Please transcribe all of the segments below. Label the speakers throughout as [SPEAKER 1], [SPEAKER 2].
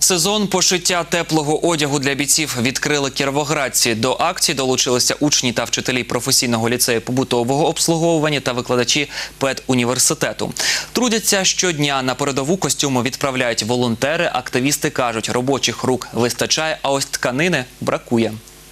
[SPEAKER 1] Сезон пошиття теплого одягу для бійців відкрили кіровоградці. До акції долучилися учні та вчителі професійного ліцею побутового обслуговування та викладачі педуніверситету. Трудяться щодня. На передову костюми відправляють волонтери. Активісти кажуть, робочих рук вистачає, а ось тканини бракує.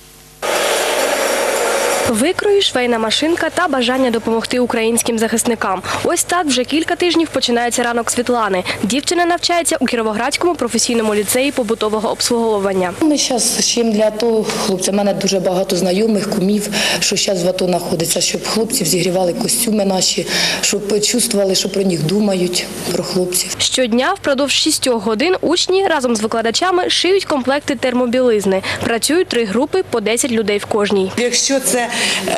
[SPEAKER 2] Викрої, швейна машинка та бажання допомогти українським захисникам. Ось так вже кілька тижнів починається ранок Світлани. Дівчина навчається у Кіровоградському професійному ліцеї побутового обслуговування.
[SPEAKER 3] Ми зараз чим для того, хлопці, в мене дуже багато знайомих, кумів, що зараз в АТО знаходиться, щоб хлопців зігрівали костюми наші, щоб чувствували, що про них думають, про хлопців.
[SPEAKER 2] Щодня впродовж 6 годин учні разом з викладачами шиють комплекти термобілизни. Працюють 3 групи по 10 людей в кожній.
[SPEAKER 4] Якщо це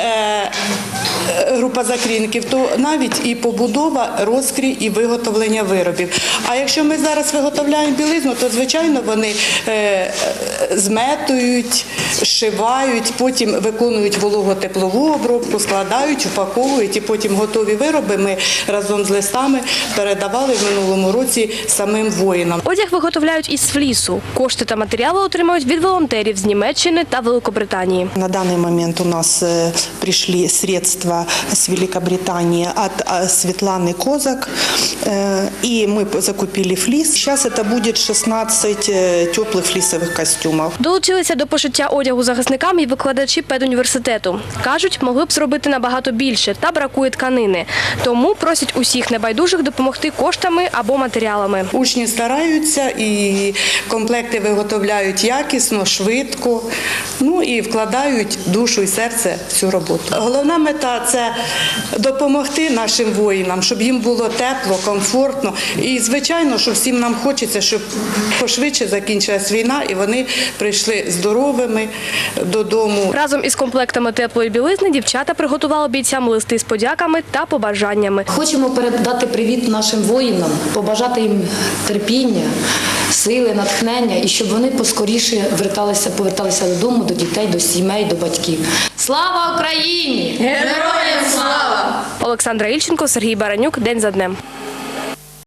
[SPEAKER 4] група закрійників, то навіть і побудова, розкрій і виготовлення виробів. А якщо ми зараз виготовляємо білизну, то, звичайно, вони зметують, шивають, потім виконують вологотеплову обробку, складають, упаковують і потім готові вироби ми разом з листами передавали в минулому році самим воїнам.
[SPEAKER 2] Одяг виготовляють із флісу. Кошти та матеріали отримують від волонтерів з Німеччини та Великобританії.
[SPEAKER 5] На данный момент у нас пришли средства с Великобритании от Светланы Козак, и мы закупили флис. Сейчас это будет 16 теплых флисовых костюмов.
[SPEAKER 2] Долучилися до пошиття одягу захисникам і викладачі педуніверситету. Кажуть, могли б зробити набагато більше, та бракує тканини. Тому просять усіх небайдужих допомогти коштами або матеріалами.
[SPEAKER 4] Учні стараються і комплекти виготовляють якісно, швидко, і вкладають душу і серце в цю роботу. Головна мета – це допомогти нашим воїнам, щоб їм було тепло, комфортно. І, звичайно, що всім нам хочеться, щоб пошвидше закінчилась війна і вони прийшли здоровими додому.
[SPEAKER 2] Разом із комплектами теплої білизни дівчата приготували бійцям листи з подяками та побажаннями.
[SPEAKER 3] Хочемо передати привіт нашим воїнам, побажати їм терпіння, сили, натхнення і щоб вони поскоріше поверталися додому, до дітей, до сімей, до батьків. Слава Україні!
[SPEAKER 2] Героям слава! Олександра Ільченко, Сергій Баранюк. День за днем.